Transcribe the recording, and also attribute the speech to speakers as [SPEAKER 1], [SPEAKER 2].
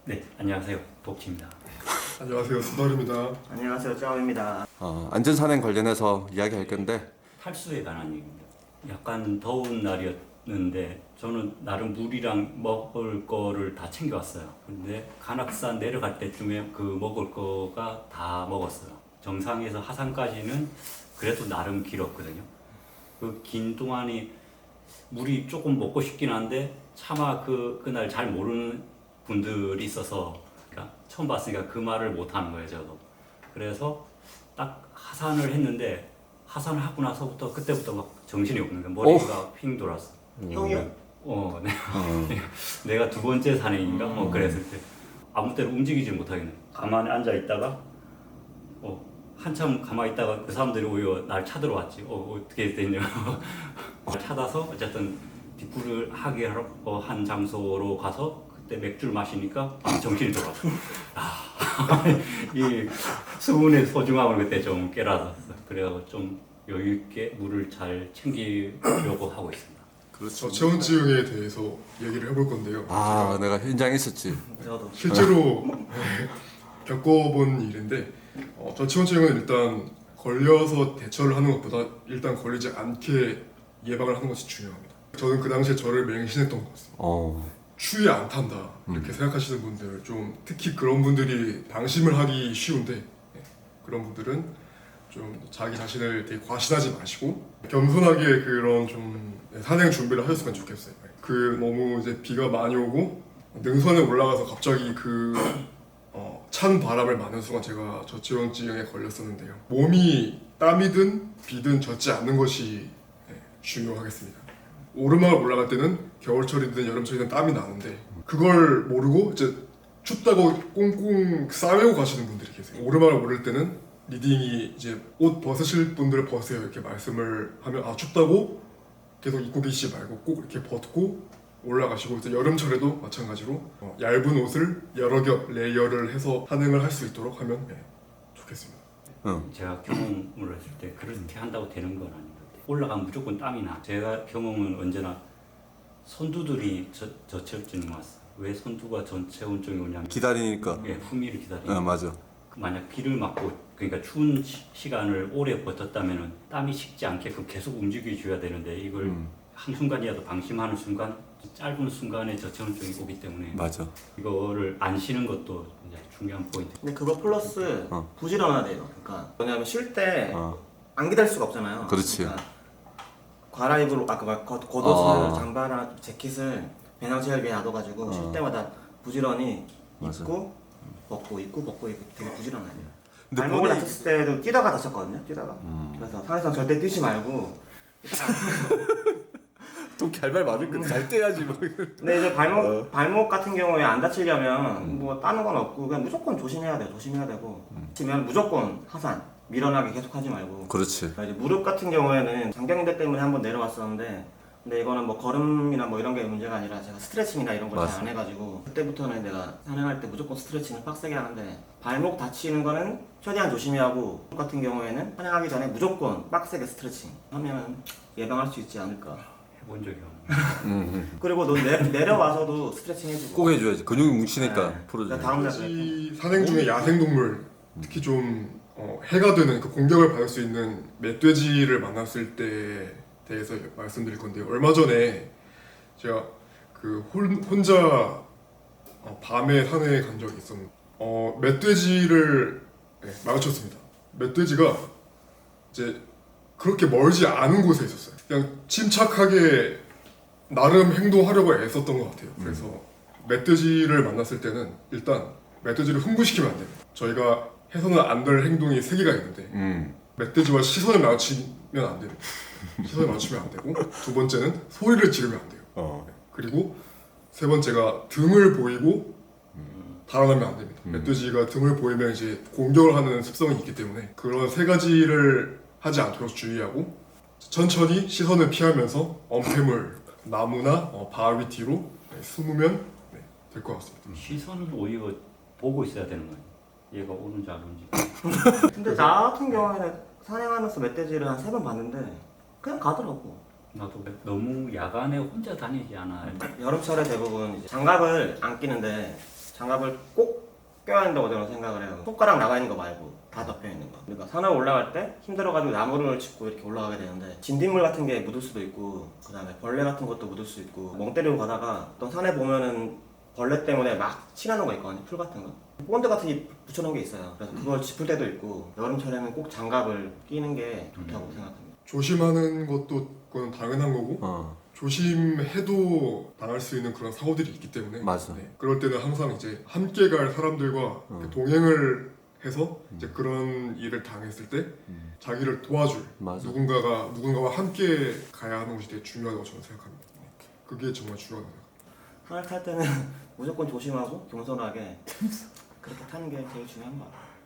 [SPEAKER 1] 네, 안녕하세요. 복지입니다.
[SPEAKER 2] 안녕하세요, 수달입니다.
[SPEAKER 3] 안녕하세요, 짜오입니다.
[SPEAKER 4] 안전산행 관련해서 이야기할 건데
[SPEAKER 1] 탈수에 관한 얘기입니다. 약간 더운 날이었는데 저는 나름 물이랑 먹을 거를 다 챙겨왔어요. 근데 간악산 내려갈 때쯤에 그 먹을 거가 다 먹었어요. 정상에서 하산까지는 그래도 나름 길었거든요. 그 긴 동안이 물이 조금 먹고 싶긴 한데 차마 그날 잘 모르는 분들이 있어서 그러니까 처음 봤으니까 그 말을 못 하는 거예요, 저도. 그래서 딱 하산을 했는데 하산을 하고 나서부터 그때부터 막 정신이 없는 거야. 머리가 핑 돌았어.
[SPEAKER 3] 형이요?
[SPEAKER 1] 내가 두 번째 산행인가 뭐 그랬을 때 아무 때나 움직이지 못하겠네. 가만히 앉아 있다가 한참 가만히 있다가 그 사람들이 오히려 날 찾으러 왔지. 어떻게 됐냐. 찾아서 어쨌든 뒷불을 하게 한 장소로 가서 그때 맥주를 마시니까 정신이 돌아왔어. 이 수분의 소중함을 그때 좀 깨달았어. 그래서 좀 여유 있게 물을 잘 챙기려고 하고 있습니다.
[SPEAKER 2] 저 체온증에 대해서 얘기를 해볼 건데요.
[SPEAKER 4] 내가 현장에 있었지.
[SPEAKER 3] 저도.
[SPEAKER 2] 실제로 겪어본 일인데 저 체온증은 일단 걸려서 대처를 하는 것보다 일단 걸리지 않게 예방을 하는 것이 중요합니다. 저는 그 당시에 저를 맹신했던 것 같습니다. 추위에 안 탄다 이렇게 생각하시는 분들 좀 특히 그런 분들이 방심을 하기 쉬운데 그런 분들은 좀 자기 자신을 되게 과신하지 마시고 겸손하게 그런 좀 산행 준비를 하셨으면 좋겠어요. 그 너무 이제 비가 많이 오고 능선에 올라가서 갑자기 찬 바람을 맞는 순간 제가 저체온증에 걸렸었는데요. 몸이 땀이든 비든 젖지 않는 것이 중요하겠습니다. 오르막을 올라갈 때는 겨울철이든 여름철이든 땀이 나는데 그걸 모르고 이제 춥다고 꽁꽁 싸매고 가시는 분들이 계세요. 오르막을 오를 때는 리딩이 이제 옷 벗으실 분들 벗으세요 이렇게 말씀을 하면 춥다고 계속 입고 계시지 말고 꼭 이렇게 벗고 올라가시고 이제 여름철에도 마찬가지로 얇은 옷을 여러 겹 레이어를 해서 산행을 할 수 있도록 하면 좋겠습니다.
[SPEAKER 1] 제가 경험을 했을 때 그렇게 한다고 되는 건 아닌 것 같아요. 올라가면 무조건 땀이 나. 제가 경험은 언제나 선두들이 저체온증이 왔어. 왜 선두가 전체온증이 오냐면
[SPEAKER 4] 기다리니까.
[SPEAKER 1] 후미를 기다리니까.
[SPEAKER 4] 맞아.
[SPEAKER 1] 만약 비를 맞고 그러니까 추운 시간을 오래 버텼다면은 땀이 식지 않게끔 계속 움직여줘야 되는데 이걸 한순간이라도 방심하는 순간 짧은 순간에 저체온증이 오기 때문에
[SPEAKER 4] 맞아.
[SPEAKER 1] 이거를 안 쉬는 것도 이제 중요한 포인트.
[SPEAKER 3] 근데 그거 플러스 부지런해야 돼요. 그러니까 왜냐면 쉴 때 안 기다릴 수가 없잖아요.
[SPEAKER 4] 그렇지.
[SPEAKER 3] 그러니까 과라입으로 겉옷을 잠바나 재킷을 배낭체에 위에 놔둬가지고 쉴 때마다 부지런히
[SPEAKER 4] 맞아.
[SPEAKER 3] 입고 벗고 입고 벗고 입고 되게 부지런해야 돼요.
[SPEAKER 4] 근데
[SPEAKER 3] 발목을
[SPEAKER 4] 본인이-
[SPEAKER 3] 다쳤을 때도 뛰다가 다쳤거든요. 뛰다가. 그래서 산에서 절대 뛰지 말고.
[SPEAKER 4] 또 결말 맞을 건데 잘 떼야지 뭐.
[SPEAKER 3] 근데 이제 발목 같은 경우에 안 다치려면 뭐 따는 건 없고 그냥 무조건 조심해야 돼요. 조심해야 되고 치면 무조건 하산 밀어나게 계속 하지 말고.
[SPEAKER 4] 그렇지.
[SPEAKER 3] 이제 무릎 같은 경우에는 장경대 때문에 한번 내려왔었는데 근데 이거는 뭐 걸음이나 뭐 이런 게 문제가 아니라 제가 스트레칭이나 이런 걸 잘 안 해가지고 그때부터는 내가 산행할 때 무조건 스트레칭을 빡세게 하는데 발목 다치는 거는 최대한 조심히 하고 무릎 같은 경우에는 산행하기 전에 무조건 빡세게 스트레칭 하면 예방할 수 있지 않을까.
[SPEAKER 1] 해본 적이 없네.
[SPEAKER 3] 그리고 너 내려와서도 스트레칭 해주고
[SPEAKER 4] 꼭 해줘야지. 근육이 뭉치니까
[SPEAKER 3] 네.
[SPEAKER 4] 풀어줘야
[SPEAKER 3] 다음날
[SPEAKER 2] 이 산행 중에 야생동물 특히 좀 해가 되는 그 공격을 받을 수 있는 멧돼지를 만났을 때 대해서 말씀드릴 건데요. 얼마 전에 제가 혼자 밤에 산에 간 적이 있었는데 멧돼지를 마주쳤습니다. 멧돼지가 이제 그렇게 멀지 않은 곳에 있었어요. 그냥 침착하게 나름 행동하려고 애썼던 것 같아요. 그래서 멧돼지를 만났을 때는 일단 멧돼지를 흥분시키면 안 돼요. 저희가 해서는 안 될 행동이 3개가 있는데 멧돼지와 시선을 마주치면 안 돼요. 시선을 맞추면 안 되고 두 번째는 소리를 지르면 안 돼요. 그리고 세 번째가 등을 보이고 달아나면 안 됩니다. 멧돼지가 등을 보이면 이제 공격을 하는 습성이 있기 때문에 그런 3가지를 하지 않도록 주의하고 천천히 시선을 피하면서 엄폐물, 나무나 바위 뒤로 숨으면 될 것 같습니다.
[SPEAKER 1] 시선은 오히려 보고 있어야 되는 거예요. 얘가 오는지 안 오는지.
[SPEAKER 3] 근데 나 같은 경우에는 산행하면서 멧돼지를 한 3번 봤는데 그냥 가더라고.
[SPEAKER 1] 나도 너무 야간에 혼자 다니지 않아.
[SPEAKER 3] 여름철에 대부분 이제 장갑을 안 끼는데 장갑을 꼭 껴야 한다고 저는 생각을 해요. 손가락 나가 있는 거 말고 다 덮여 있는 거. 그러니까 산을 올라갈 때 힘들어가지고 나무를 짚고 이렇게 올라가게 되는데 진딧물 같은 게 묻을 수도 있고 그다음에 벌레 같은 것도 묻을 수 있고 멍 때리고 가다가 어떤 산에 보면은 벌레 때문에 막 칠하는 거 있거든요. 풀 같은 거. 본드 같은 게 붙여놓은 게 있어요. 그래서 그걸 짚을 때도 있고 여름철에는 꼭 장갑을 끼는 게 좋다고 생각합니다.
[SPEAKER 2] 조심하는 것도 그건 당연한 거고
[SPEAKER 4] 어
[SPEAKER 2] 조심해도 당할 수 있는 그런 사고들이 있기 때문에
[SPEAKER 4] 맞아.
[SPEAKER 2] 네, 그럴 때는 항상 이제 함께 갈 사람들과 이렇게 동행을 해서 이제 그런 일을 당했을 때 자기를 도와줄
[SPEAKER 4] 맞아.
[SPEAKER 2] 누군가와 함께 가야 하는 것이 되게 중요하다고 저는 생각합니다. 그게 정말 중요하다고 생각합니다.
[SPEAKER 3] 산을 탈 때는 무조건 조심하고 겸손하게 그렇게 타는 게 제일 중요한 것 같아요.